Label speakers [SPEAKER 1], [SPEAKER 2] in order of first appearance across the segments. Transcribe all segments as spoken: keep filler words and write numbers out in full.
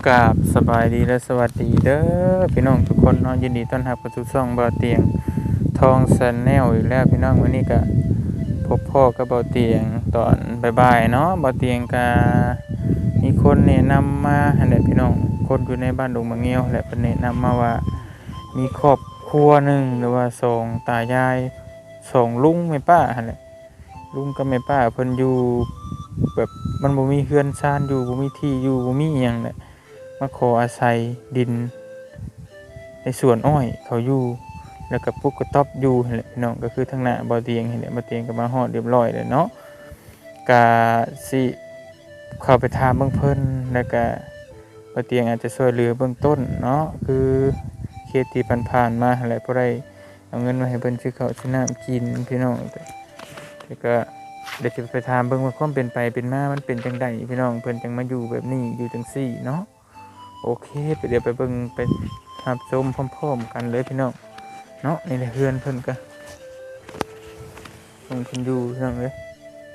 [SPEAKER 1] กราบสบายดีและสวัสดีเด้อพี่น้องทุกคนเนาะยินดีต้อนรับเข้าสู่ช่องเบาเตียงทองแชนแนลอีกแล้วพี่น้องวันนี้ก็พบพ่อกับเบาเตียงตอนบ่ายๆเนาะเบาเตียงก็มีคนแนะนำมาหั่นแหละพี่น้องคนอยู่ในบ้านดงมะเงียวแหละเพิ่นแนะนำมาว่ามีครอบครัวหนึงหรือว่าสองตายายสองลุงแม่ป้าหั่นแหละลุงกับแม่ป้าเพิ่นอยู่แบบมันบ่มีเรือนชานอยู่บ่มีที่อยู่บ่มีอิหยังแหละมาขออาศัยดินในสวนอ้อยเขาอยู่แล้วก็ปลูกกระต๊อบอยู่นั่นแหละพี่น้องก็คือทางหน้าบ่อเตียงนี่แหละบ่อเตียงก็มาฮอดเรียบร้อยแล้วเนาะก็สิเข้าไปถามเบิ่งเพิ่นแล้วก็บ่อเตียงอาจจะช่วยเหลือเบื้องต้นเนาะคือเคสที่ผ่านๆมาหั่นแหละบ่ได้เอาเงินมาให้เพิ่นซื้อข้าวซื้อน้ำกินพี่น้องแล้วก็เดี๋ยวจะไปถามเบิ่งว่าความเป็นไปเป็นมามันเป็นจังได๋พี่น้องเพิ่นจังมาอยู่แบบนี้อยู่จังซี่เนาะโอเคไปเดี๋ยวไปเบิ่งไปรับชมพร้อมๆกันเลยพี่น้องเนาะนี่แหละเฮือนเพิ่นก็เพิ่นเพิ่นอยู่พี่น้องเอ้ย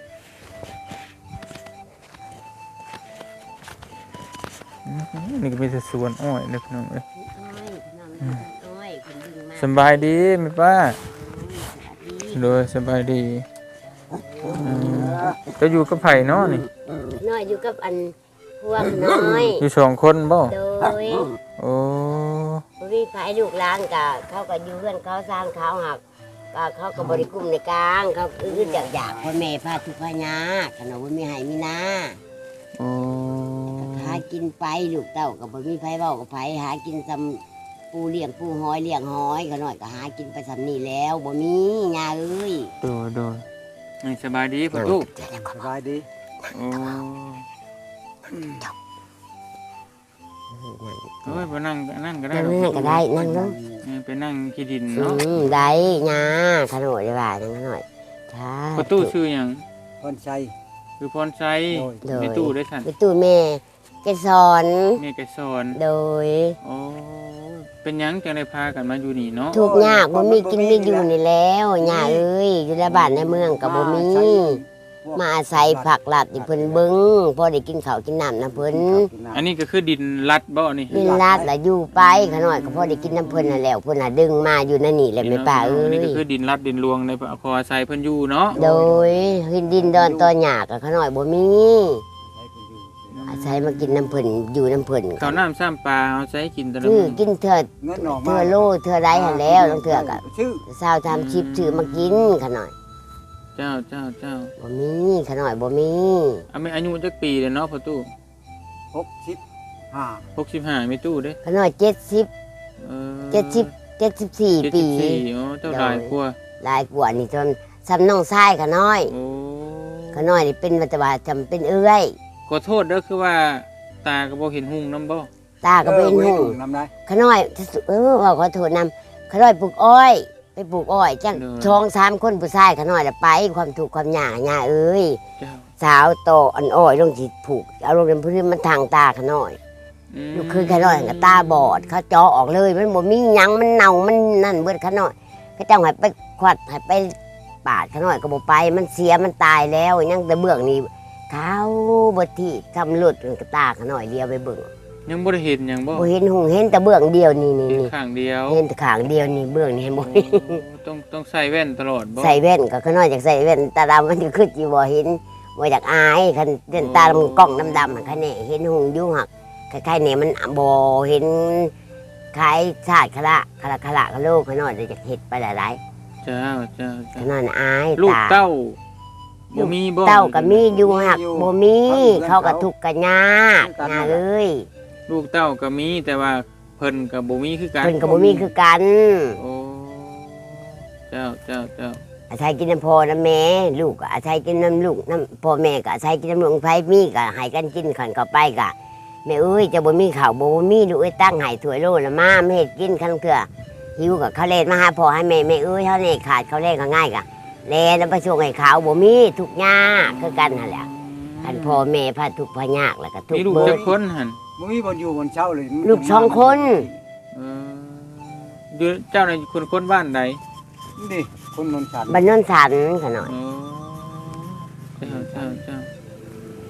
[SPEAKER 1] นี่ก็มีแต่สวนอ้อยเด้อพี่น้องเอ้ยสบายดีแม่ป้าโดยสบายดีจะอยู่กับไผเนาะนี่
[SPEAKER 2] น้อยอยู่กับอันพวกน้อย
[SPEAKER 1] อยู่สองคนบ่
[SPEAKER 2] โดย
[SPEAKER 1] โอ้
[SPEAKER 2] บ่มีไผลูกหลานก็เขาก็อยู่เฮือนเขาสร้างเขาหักก็เขาก็บ่ได้กุ้มในกลางเขาอึดอยากๆพ่อแม่พาทุกข์พายากขนมบ่มีให้มีนา
[SPEAKER 1] โอ้
[SPEAKER 2] หากินไปลูกเต้าก็บ่มีไผเว้ากับไผหากินซำปูเลี้ยงปูหอยเลี้ยงหอยก็น้อยก็หากินไปซำนี้แล้วบ่มีย่าเอ้ย
[SPEAKER 1] โดยๆนี่สบายดีพ่อลูก
[SPEAKER 3] สบายดี
[SPEAKER 1] โอ้เอ้ยไปนั่งนั่งก็ได้
[SPEAKER 2] นั่งก็ได้นั่งเนาะ
[SPEAKER 1] ไปนั่งขี้ดินเนาะ
[SPEAKER 2] ได้ยาขนมได้ว่านั่งหน่อย
[SPEAKER 1] ค่ะประตูชื่อหยัง
[SPEAKER 3] พรชัย
[SPEAKER 1] คือพรชัยในตู้ได้สั่น
[SPEAKER 2] ในตู้แม่แกสอน
[SPEAKER 1] แม่แกสอน
[SPEAKER 2] โดย
[SPEAKER 1] โอ้เป็นหยังจังได้พากันมาอยู่นี่เนาะ
[SPEAKER 2] ทุกข์ยากบ่มีกินมีอยู่นี่แล้วย่าเอ้ยอยู่ในบ้านในเมืองก็บ่มีมาอาศัยผักลัดที่เพิ่นเบิ่งพอได้กินข้าวกินน้ำน้ำเพิ่น
[SPEAKER 1] อันนี้ก็คือดินลัดบ่นี่
[SPEAKER 2] ดินลัดล่ะอยู่ไปขน้อยก็พอได้กินน้ำเพิ่นน่ะแล้วเพิ่นน่ะดึงมาอยู่นั่นนี่แหละแม่ป้าเอ้ย
[SPEAKER 1] นี่ก็คือดินลัดดินรวงในขออาศัยเพิ่นอยู่เนาะ
[SPEAKER 2] โดยดินดอนตอหญ้าก็ขน้อยบ่มีอาศัยมากินน้ำเพิ่นอยู่น้ำเพิ่น
[SPEAKER 1] ข้าวน้ำซ้ำปลาเอาใช้กินตลอด
[SPEAKER 2] คือกินเถิดเทื่อโลเทื่อใดหั่นแล้วต้องเทื่อก็เช้าทำชิปซื้อมากินขน้อย
[SPEAKER 1] เจ้าเจ้าเจ้า
[SPEAKER 2] บ่มีขน้อยบ่มี
[SPEAKER 1] อาอายุจักปีเลยเนาะพ่อตู้
[SPEAKER 3] หกสิบห้า
[SPEAKER 1] หกสิบห้ามีตู้เด้
[SPEAKER 2] ขน้อยเจ็ดสิบเออเจ็ดสิบเจ็ดสิบสี่ปี
[SPEAKER 1] อ๋อเจ้าหลายกว่า
[SPEAKER 2] หลายกว่านี่จนซ้ำน้องชายขน้อยโอ้ขน้อยนี่เป็นวัตว่าจำเป็นเอื้อย
[SPEAKER 1] ขอโทษเด้อคือว่าตาก็บ่เห็นหุ่งนำบ่
[SPEAKER 2] ตาก็บ่เห็นหุ่งนำได้ขน้อยเออว่าขอโทษนำขน้อยปลูกอ้อยไปปลูกอ้อยจังช่องสามคนผู้ชายขน้อยละไปความทุกข์ความยากย่าเอ้ยสาวโตอันอ้อยลงสิผูกเอาลงเป็นพื้นมันทางตาขน้อยลูกคือขน้อยก็ตาบอดเขาเจาะออกเลยมันบ่มีหยังมันเน่ามันนั่นเบิดขน้อยเขาเจ้าให้ไปขวัดให้ไปปาดขน้อยก็บ่ไปมันเสียมันตายแล้วยังแต่เบื้องนี้เขาบ่ที่ทำหลุดกระตาขน้อยเดียวไปเบิ่ง
[SPEAKER 1] ยังบ่ได้เห็นหยังบ่
[SPEAKER 2] บ่เห็นหุ่งเห็นแต่เบื้องเดียวนี่นี่
[SPEAKER 1] ข้างเดียว
[SPEAKER 2] เห็นแต่ข้างเดียวนี่เบื้องนี่เห็นบ่
[SPEAKER 1] ต้องต้องใส่แว่นตลอดบ่
[SPEAKER 2] ใส่แว่นก็ขน้อยจากใส่แว่นตาดำมันจะขึ้นสิบ่เห็นบ่อยากอายคันเส้นตาดำกล้องดำๆคันนี้เห็นหุ่งอยู่หักคล้ายๆนี่มันบ่เห็นคล้ายชาติคละคละคละกะโลกขน้อยจะเฮ็ดไปหลาย
[SPEAKER 1] ๆเจ้าเจ้า
[SPEAKER 2] ขน้อยอาย
[SPEAKER 1] ลูกเต้าบ่มีบ่
[SPEAKER 2] เต้าก็มีอยู่หักบ่มีเขาก็ทุกข์กันยากนะเอ้ย
[SPEAKER 1] ลูกเต้าก็มีแต่ว่าเพิ่นก็บ่มีคือกัน
[SPEAKER 2] เพิ่นก็บ่มีคือกัน
[SPEAKER 1] โอ้เจ้าเจ้าเจ้า
[SPEAKER 2] อาศัยกินน้ำพ่อน้ำแม่ลูกก็อาศัยกินน้ำลูกน้ำพ่อแม่ก็อาศัยกินน้ำลูกไผมีก็ให้กันกินขันเข้าไปก็แม่เอ้ยจะบ่มีข้าวบ่มีลูกเอ้ยตั้งให้ถ้วยโลละมาไม่เฮ็ดกินคันเถื่อหิวก็เขาเล่นมาหาพ่อให้แม่แม่เอ้ยเฮานี่ขาดเขาเล่นก็ง่ายก็แลนำไปส่งให้เขาบ่มีทุกข์ยากคือกันนั่นแหละคันพ่อแม่พาทุกข์พายากแล้วก็ทุกข์
[SPEAKER 1] เบิดมีลูกจักคนหั่น
[SPEAKER 3] บ่มีบ่อยู่บ่เช้าเลย
[SPEAKER 2] ลูกสองคน
[SPEAKER 1] เอออยู่เจ้าในคนคนบ้านใด
[SPEAKER 3] นี่คนนนสัน
[SPEAKER 2] บ้านนนสันขน้อย
[SPEAKER 1] อ๋อเจ้าเจ้าเจ้า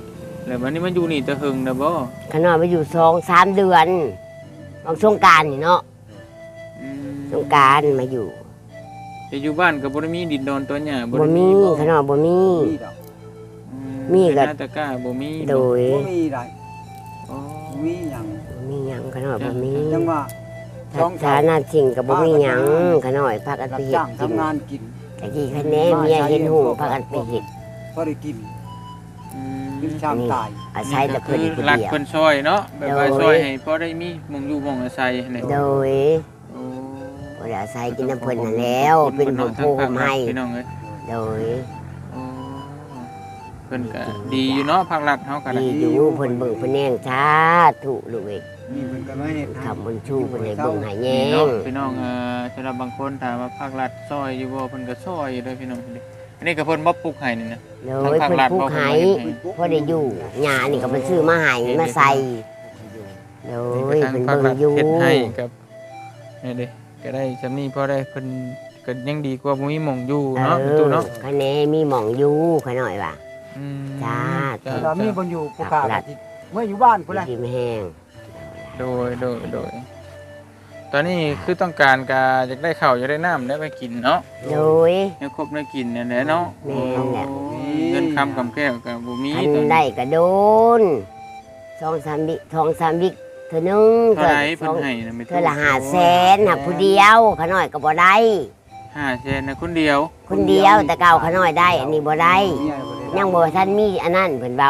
[SPEAKER 1] แล้ววันนี้มันอยู่นี่จะหึงนะบ่
[SPEAKER 2] ขน้อยมาอยู่สองสามเดือนบางสงกรานต์นี่เนาะ
[SPEAKER 1] อืม
[SPEAKER 2] สงกรานต์มาอยู่
[SPEAKER 1] แต่อยู่บ้านก็บ่ได้มีดินดอนตัวหญ้า
[SPEAKER 2] บ่
[SPEAKER 1] ได้
[SPEAKER 2] มี
[SPEAKER 1] บ่
[SPEAKER 2] ขน้อยบ่มี
[SPEAKER 3] มีดอก
[SPEAKER 1] อื
[SPEAKER 2] มีก็
[SPEAKER 1] เป็นหน้าตะกร้าบ่มีบ่
[SPEAKER 2] โดย
[SPEAKER 3] บ่มีได้
[SPEAKER 1] อ๋อ
[SPEAKER 3] บ่มีหยัง
[SPEAKER 2] บ่มีหยังขน้อยบ่มี
[SPEAKER 3] จังว่า
[SPEAKER 2] ถ้าฐานะจริงก็บ่มีหยังขน้อยพากัน
[SPEAKER 3] รั
[SPEAKER 2] ไป
[SPEAKER 3] บ
[SPEAKER 2] เฮ็ด
[SPEAKER 3] จ้าง
[SPEAKER 2] กิน
[SPEAKER 3] ทำงานกิน
[SPEAKER 2] ตะกี้คะแนนเมียเห็นหูพากันไปเฮ็ด
[SPEAKER 3] พอได้กิน
[SPEAKER 1] อืม
[SPEAKER 3] กินชามตาย
[SPEAKER 2] อาศัยแต่เพิ่นผู้
[SPEAKER 1] หลัก
[SPEAKER 2] เดียว
[SPEAKER 1] เพิ่นซอยเนาะแบบว่า
[SPEAKER 2] โดย
[SPEAKER 1] ซอยให้พอได้มีหมองอยู่หมองอาศัยนี่
[SPEAKER 2] โดย
[SPEAKER 1] โอ้
[SPEAKER 2] บ่ได้อาศัยกินน้ำเพิ่นนั่นแล้ว เป็นผู้ผู้ผมให้
[SPEAKER 1] พี่น้องเอ้ย
[SPEAKER 2] โดย
[SPEAKER 1] โอ้เพิ่นก็ดีอยู่เนาะภาครัฐเฮาก็ได้
[SPEAKER 2] ดีอยู่เพิ่นเบิ่งเพิ่นแย่งชาถูกลูกเอ้ย
[SPEAKER 3] มีเพิ่นก็มาเฮ็ดให้
[SPEAKER 2] คำบนชูเพิ่นให้เบิ่งให้แย่
[SPEAKER 1] นี่เนาะ
[SPEAKER 2] ง
[SPEAKER 1] พี่น้องเอ่อสำหรับบางคนถามว่าภาครัฐซอยอยู่บ่เพิ่นก็ซอยอยู่เด้อพี่น้องอันนี้ก็เพิ่นบ่ปลูกให้นี่นะ
[SPEAKER 2] โดยเพิ่นปลูกให้พอได้อยู่หญ้านี่ก็เพิ่นซื้อมาให้มาใส่โดย
[SPEAKER 1] ทาง
[SPEAKER 2] เพิ่น
[SPEAKER 1] ภาค
[SPEAKER 2] เบิ่
[SPEAKER 1] รั
[SPEAKER 2] ง
[SPEAKER 1] ฐ
[SPEAKER 2] อยู่
[SPEAKER 1] เฮ็ดให้กับนี่เด้ก็ได้ซำนี้พอได้เพิ่นก็ยังดีกว่าบ่มีหม่องอยู่
[SPEAKER 2] เอ
[SPEAKER 1] เนาะประตู
[SPEAKER 2] อ
[SPEAKER 1] เนาะ
[SPEAKER 2] คะแนนมีหม่องอยู่ขะหน่อยว่า
[SPEAKER 1] อืม
[SPEAKER 2] จ้า
[SPEAKER 1] จ้า
[SPEAKER 3] เรามีบ่อยู่ผู้ค้าก็สิเมื่ออยู่บ้านพุ่นแหละ
[SPEAKER 2] ดินแห้ง
[SPEAKER 1] โดยโดยโดยตอนนี้คือต้องการกาอยากได้ข้าวอยากได้น้ำได้ไปกินเนาะ
[SPEAKER 2] โดย
[SPEAKER 1] ให้ครบได้กินเนี่ยแหละเนาะ
[SPEAKER 2] แม่นแหละ
[SPEAKER 1] โอ้เงินคำกำแก้วกับบุมี
[SPEAKER 2] อั
[SPEAKER 1] ตอน
[SPEAKER 2] น
[SPEAKER 1] นี้
[SPEAKER 2] ได้ก็โดนสองสามบิสองสามบิเท่านึง
[SPEAKER 1] เท่าไหร
[SPEAKER 2] ส
[SPEAKER 1] เพิ่น
[SPEAKER 2] อง
[SPEAKER 1] ให้นะไม่
[SPEAKER 2] เท่าละห้าแสนหักผู้เดียวขะหน่อยก็บ่ได้
[SPEAKER 1] ห้าแสนนะคนเดียว
[SPEAKER 2] คนเดียวแต่เก่าขะหน่อยได้ อันนี้บ่ได้ ยังบ่ทันมีอันนั้นเพิ่นเว้าก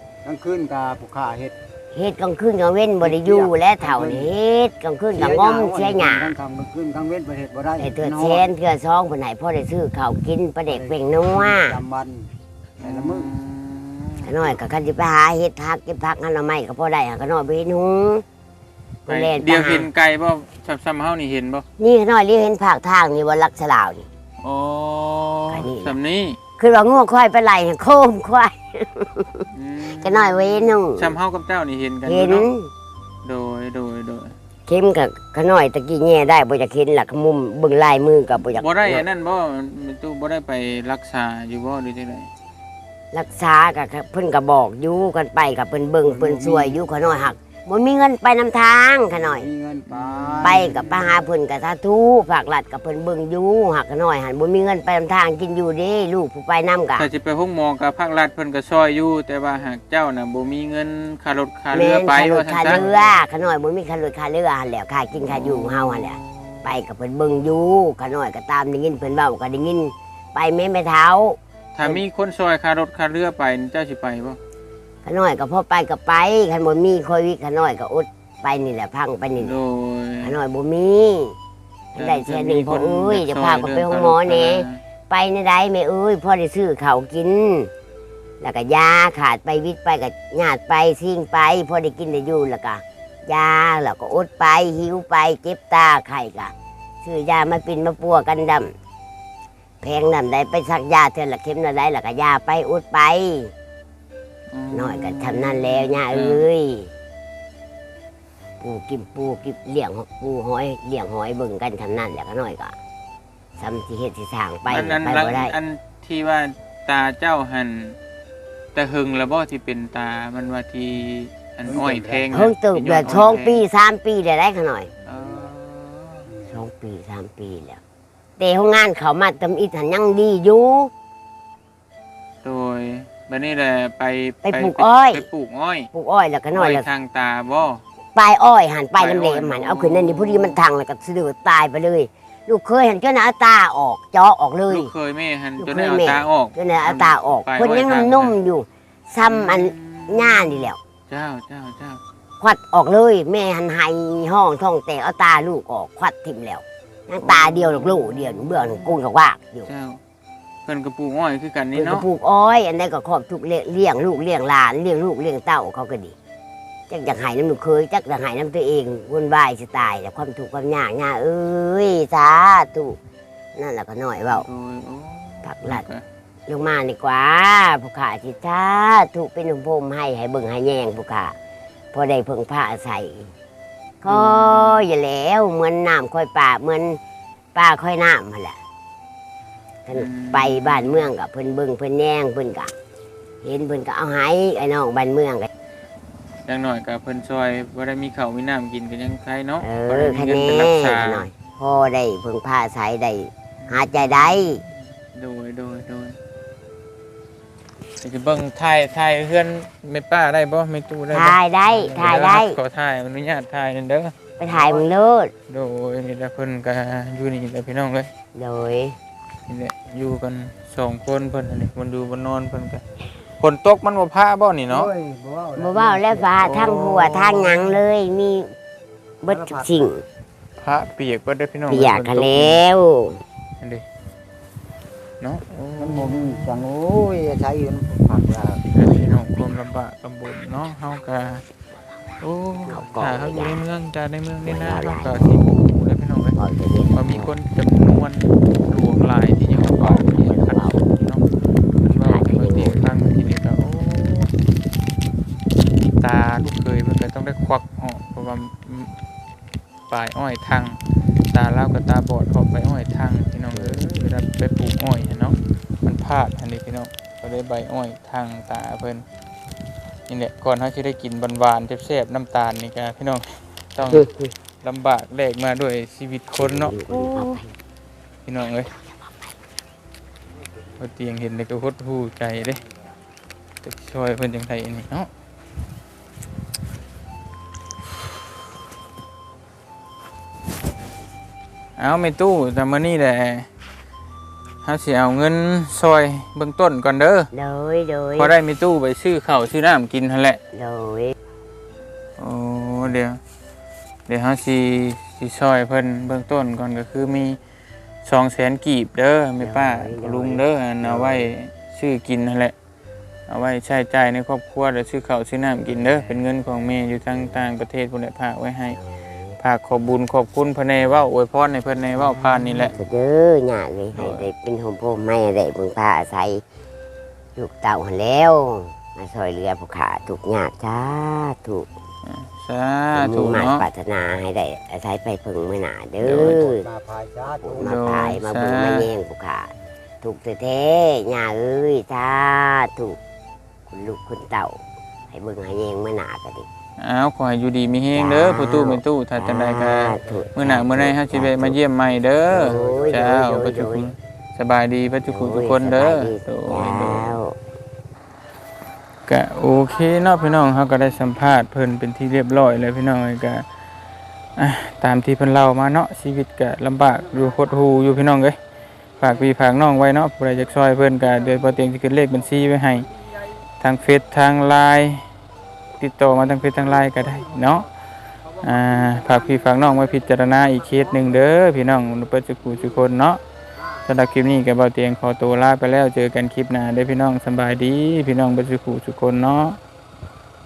[SPEAKER 3] ลางคืนก็ผู้ค้าเฮ็ด
[SPEAKER 2] เฮ็ดกลางคืนกลางเว้นบ่ได้อยู่และเฒ่านี่เฮ็ดกลางคืนก็งอมเสียหญ้า
[SPEAKER 3] กลางค่ำกลางคืนกลางเว้นบ่เฮ็ดบ่ได้
[SPEAKER 2] ไอ้เทื่อแสนเทื่อซองเพิ่นให้พ่อได้ซื้อข้าวกินปลาเด็กเป่งนัว
[SPEAKER 3] จำวันแต่ละมื้อ
[SPEAKER 2] ขะน้อยก็คันสิไปหาเฮ็ดผักเก็บผักหั่นละไม้ก็พอได้หาขะน้อยไปเฮ็ดหุง
[SPEAKER 1] ไป
[SPEAKER 2] เพิ่นแล่นไป
[SPEAKER 1] เดียว
[SPEAKER 2] หา
[SPEAKER 1] เห็นไก่บ่ซ้ำๆเฮานี่เห็นบ่
[SPEAKER 2] นี่ขะน้อยเรียกเห็นภาคทางนี่บ่ลักษลาวนี่
[SPEAKER 1] อ๋อ
[SPEAKER 2] ไก่นี่
[SPEAKER 1] สำนี้
[SPEAKER 2] คือว่างัวควายไปไล่โคมควาย
[SPEAKER 1] อืม
[SPEAKER 2] ขะน้อยไว้หนุ่ง
[SPEAKER 1] ซ้ำเฮากับเจ้านี่เห็นกันอ
[SPEAKER 2] เห็น
[SPEAKER 1] ยู่เนาะโดยโดยโดย
[SPEAKER 2] เข็มกับขะน้อยตะกี้แง่ได้บ่อยากเห็นหลักมุมเบิ่งลายมือก็บ่อยาก
[SPEAKER 1] บ่ได้อันนั้นบ่มีตู้บ่ได้ไปรักษาอยู่บ่หรือจังได
[SPEAKER 2] รักษาก็เพิ่นก็บอกอยู่กันไปก็เพิ่นเบิ่งเพิ่นช่วยอยู่ขะน้อยหักบ่มีเงินไปนำทางขะน้อย
[SPEAKER 3] มีเงินไป
[SPEAKER 2] ไปกับไปหาเพิ่นกับสาธุฝากหลัดกับเพิ่นเบิ่งอยู่หักกันหน่อยหันบ่มีเงินไปนำทางกินอยู่เด้ลูกผู้ไปนำกะ
[SPEAKER 1] ถ้าสิไปห้องหมอกับภาครัฐเพิ่นก็ช่วยอยู่แต่ว่าหากเจ้าน่ะบ่มีเงินค่ารถค่าเรื
[SPEAKER 2] แม่
[SPEAKER 1] อน ไป
[SPEAKER 2] ค่าร
[SPEAKER 1] ว่า
[SPEAKER 2] ถ
[SPEAKER 1] ซั่
[SPEAKER 2] ค่าน
[SPEAKER 1] ซะ
[SPEAKER 2] เรือขะหน่อยบ่มีค่ารถค่าเรือหันแหล้วค่ากินค่าอยู่ของเฮาหันแหละไปกับเพิ่นเบิ่งอยู่ขะหน่อยก็ตามได้ยินเพิ่นเว้าก็ได้ยินไปแม่แม่เท้า
[SPEAKER 1] ถ้ามีคนช่วยค่ารถค่าเรือไปนี่เจ้าสิไปบ่
[SPEAKER 2] ขะหน่อยก็พอไปก็ไปคันบ่มีโควิดขะหน่อยก็อดไปนี่แหละพังไปนี่แห
[SPEAKER 1] โด
[SPEAKER 2] ละ
[SPEAKER 1] ย
[SPEAKER 2] ขะหน่อยบ่มีได้แค่หนึงพอเอ้ยจะพาก็ไปห้องหมอแหน่ ไปในใดแม่เอ้ยพ่อได้ซื้อข้าวกิน แล้วก็ยาขาดไปวิทย์ไปกับญาติไปซิ่งไปพ่อได้กินได้อยู่แล้วก็ยาแล้วก็อดไปหิวไปเจ็บตาไข่กะซื้อยามาปินมาปัวกันดำแพงดำได้ไปสักยาเท่าละเข็มละได้แล้วก็ยาไปอดไปน้อยก็ทำนั่นแล้วย่าเอ้ยปูกินปูกินเลี้ยงปูหอยเลี้ยงหอยเบิ่งกันทำนั่นแล้วก็น้อยก็ซ้ำที่เฮ็ดที่สร้างไป
[SPEAKER 1] อันนั้น
[SPEAKER 2] ไป
[SPEAKER 1] หลัง
[SPEAKER 2] บ่ได้
[SPEAKER 1] อันที่ว่าตาเจ้าหันแต่หึงแล้วบ่ที่เป็นตามันว่าที่อันอ้อยแทงน่ะ
[SPEAKER 2] เพิ่งตึก
[SPEAKER 1] ที่
[SPEAKER 2] เดื
[SPEAKER 1] ย้
[SPEAKER 2] อน
[SPEAKER 1] น
[SPEAKER 2] สอง
[SPEAKER 1] ยแท
[SPEAKER 2] ปีสามปีได้ได้ขน่อย
[SPEAKER 1] เออ
[SPEAKER 2] สองปีสามปีแล้วแต่ห้องงานเขามาตำอิฐหันยังดีอยู่
[SPEAKER 1] โดยบัดนี้แหละไป
[SPEAKER 2] ไปปลูกอ้อย
[SPEAKER 1] ไปปลูกอ้อย
[SPEAKER 2] ปลูกอ้อยแล้วก็น้อยแล้ว
[SPEAKER 1] ทางตาบ่
[SPEAKER 2] ปลายอ้อยหันปลายน้ำเหล
[SPEAKER 1] ปลายอ้
[SPEAKER 2] ม
[SPEAKER 1] อย
[SPEAKER 2] หันเอาขึ้นนั่นนี่พอดีมันทางแล้วก็สะดุดตายไปเลย ลูกเคยเห็นเจ้าหน้าตาออกเจาะออกเลย
[SPEAKER 1] ลูกเคยแม่หัน
[SPEAKER 2] ลูก
[SPEAKER 1] จน
[SPEAKER 2] เค
[SPEAKER 1] ได้
[SPEAKER 2] ย
[SPEAKER 1] เอา
[SPEAKER 2] แม่
[SPEAKER 1] ตาออก
[SPEAKER 2] เจ้าหน้าตาออก
[SPEAKER 1] ปลาย
[SPEAKER 2] เพิ่นยัง
[SPEAKER 1] อ้อยทาง
[SPEAKER 2] นุ่มๆอยู่ ซ้ำอันหน้านี่แหล้ว
[SPEAKER 1] เจ้าเจ้าเจ้า
[SPEAKER 2] ควัดออกเลย แม่หันไห้ห้องท้องแตกเอาตาลูกออกควัดทิ่มแล้วยังตาเดียวลูกลูกเดียวเบื้องกุ้งกับว่ากอยู่
[SPEAKER 1] เจ้าเพิ่นก็ปลูกอ้อยคือกันนี่
[SPEAKER 2] เพิ่นก็
[SPEAKER 1] เนาะ
[SPEAKER 2] ปลูกอ้อย อันนั้นก็ครอบทุกเลี้ยงเลี้ยงลูกเลี้ยงหลานเลี้ยงลูกเลี้ยงเต้าเขาก็ดีจักอยากหายน้ำหนูเคยจักอยากหายน้ำตัวเองวุ่นวายจะตายแต่ความถูกข์ความยากยากเอ้ยสาธุนั่นแหละก็น้อยเบา
[SPEAKER 1] โดยโอ้
[SPEAKER 2] ผักหลัดลงมาดีกว่าผู้ขาจิตสาธุเป็นหนุ่มพรมให้ให้เบิ่งให้แยงผู้ขาพอได้เพิ่งผ้าใส่ก็อย่าแล้วเหมือนน้ำค่อยป่าเหมือนป่าค่อยน้ำมาแหละท่านไปบ้านเมืองกับเพิ่นเบิ่งเพิ่นแยงเพิ่นกะเห็นเพิ่นก็เอาให้ไอ้น้องบ้านเมืองก็
[SPEAKER 1] อย่างน้อยก็เพิ่นช่วยบ่ได้มีข้าวมีน้ำกินก็ยังใครเนาะ
[SPEAKER 2] เอ
[SPEAKER 1] บ่
[SPEAKER 2] อ
[SPEAKER 1] ได้มี
[SPEAKER 2] คะ
[SPEAKER 1] เงิน
[SPEAKER 2] แน
[SPEAKER 1] ไปรักษาน
[SPEAKER 2] หน่อยพ่อได้เพิ่งพาอาศัยได้หาใจได้
[SPEAKER 1] โดยโดยโดยจะเบิ่งถ่ายถ่ายเฮือนแม่ป้าได้บ่แม่ตู้ได้บ่
[SPEAKER 2] ถ่ายได้ถ่ายได้
[SPEAKER 1] ขอถ่ายอนุญาตถ่ายนั่นเด้อ
[SPEAKER 2] ไปถ่ายมึงโลด
[SPEAKER 1] โดยนี่แหละเพิ่นก็อยู่นี่แหละพี่น้องเอ้ย
[SPEAKER 2] โดย
[SPEAKER 1] นี่แหละอยู่กันสองคนเพิ่นอันนี้มันอยู่บนนอนเพิ่นก็ฝนตกมันบ่พาบ่นี่เนาะ
[SPEAKER 3] โอ้ยบ่เว้า
[SPEAKER 2] บ่เว้าแล้วฟ้าทั้งหัวทั้งหยังเลยมีเบิดทุกสิ่ง
[SPEAKER 1] พระเปียกบ่ได้พี่น้อง
[SPEAKER 2] เปียกกันแล้ว
[SPEAKER 1] อันนี้เนาะโอ้
[SPEAKER 3] มันบ่มีจังโอ้ยใช้อยู่ผักลา
[SPEAKER 1] พี่น้องความลำบากลำบนเนาะเฮาก็โอ้ถ้าเฮาอยู่ในเมืองจ้าในเมืองนี่นะเฮาก็สิบ่ฮู้แล้วพี่น้องเอ้ย
[SPEAKER 2] บ่จะเรียน
[SPEAKER 1] ว่ามีคนจำนวนหลวงหลายที่ยังเป่าที่ยังขัดเนาะมันว่าเมื่อตีครั้งที่นี่ก็โอ้ตาลูกเคยมันก็ต้องได้ควักออกเพราะว่าปลายอ้อยทางตาเล่ากับตาบอดออกไปอ้อยทางพี่น้องเอ้ยเวลาไปปลูกอ้อยเนาะมันพลาดอันนี้พี่น้องก็ได้ใบอ้อยทางตาเพิ่นนี่แหละก่อนเขาจะได้กินหวานๆแซ่บๆน้ำตาลนี่ก็พี่น้องต้องลำบากแลกมาด้วยชีวิตคนเนาะ พี่น้องเอ้ยพอเตียงเห็นเลยก็หดหูใจเด้จะช่วยเพิ่นจังไดอันนี้เนาะเอาไม่ตู้แต่มื้อนี้แหละเฮาสิเอาเงินซอยเบื้องต้นก่อนเด้อ
[SPEAKER 2] โดยโดย
[SPEAKER 1] พอได้มีตู้ไปซื้อข้าวซื้อน้ำกินหั่นแหละ
[SPEAKER 2] โดย
[SPEAKER 1] โอ้เดี๋ยวเดี๋ยวเฮาสิสิซอยเพิ่นเบื้องต้นก่อนก็คือมีสองแสนกีบเด้อแม่ป้าลุงเด้ออันเอาไว้ซื้อกินนั่นแหละเอาไว้ใช้จ่ายในครอบครัวแล้วซื้อข้าวซื้อน้ำกินเด้อเป็นเงินของแม่อยู่ทางต่างประเทศพุ่นแหละฝากไว้ให้ฝากขอบบุญขอบคุณเพิ่นในเว้าอวยพรให้เพิ่นในเว้าผ่านนี่แหละ
[SPEAKER 2] เด้อหยาเลยให้ได้เป็นโฮมโพไม่ได้เพิ่งพาอาศัยลูกเต่าหันแล้วมาซอยเรือผู้ขาถูกหยาจ้าถูก
[SPEAKER 1] สา
[SPEAKER 2] มี
[SPEAKER 1] ธุ
[SPEAKER 2] หมาย
[SPEAKER 1] เนาะ
[SPEAKER 2] ปรารถนาให้ได้อาศัยไปพึงเมื่อหนาเด้อ
[SPEAKER 3] มาพายชาตู
[SPEAKER 2] มาพายมาบุญมาแย่งผู้ขาถูกแท้ๆหยาเอ้ยจ้าถูกคุณลูกคุณเต่า ให้เบิ่งให้แย่งเมื่อหนาก็ดิ
[SPEAKER 1] อ้าวขอให้อยู่ดีมีแฮงเด้อผู้ตู้แม่ตู้ถ้าจังไดก็มื้อหน้ามื้อใดเฮาสิไปมาเยี่ยมใหม่เด้อเจ้าปัจจุบันสบายดีปัจจุบันทุกคนเด้อโดยโดย
[SPEAKER 2] แล้ว
[SPEAKER 1] ก็โอเคเนาะพี่น้องเขาก็ได้สัมภาษณ์เพิ่นเป็นที่เรียบร้อยเลยพี่น้องก็อ่ะตามที่เพิ่นเล่ามาเนาะชีวิตก็ลำบากอยู่หดหู่อยู่พี่น้องเอ้ยฝากพี่ฝากน้องไว้เนาะผู้ใดอยากช่วยเพิ่นก็เดี๋ยวบ่เตียงสิขึ้นเลขบัญชีไว้ให้ทางเฟซทาง ไลน์ ติดต่อมาทางเฟซทาง ไลน์ ก็ได้เนาะอ่าฝากพี่ฝากน้องไว้พิจารณาอีกเคสหนึงเด้อพี่น้องเปิดสุขุทุกคนเนาะสำหรับคลิปนี้ก็บ่เตียงขอตัวลาไปแล้วเจอกันคลิปหน้าเด้อพี่น้องสำบายดีพี่น้องเปิดสุขุทุกคนเนาะ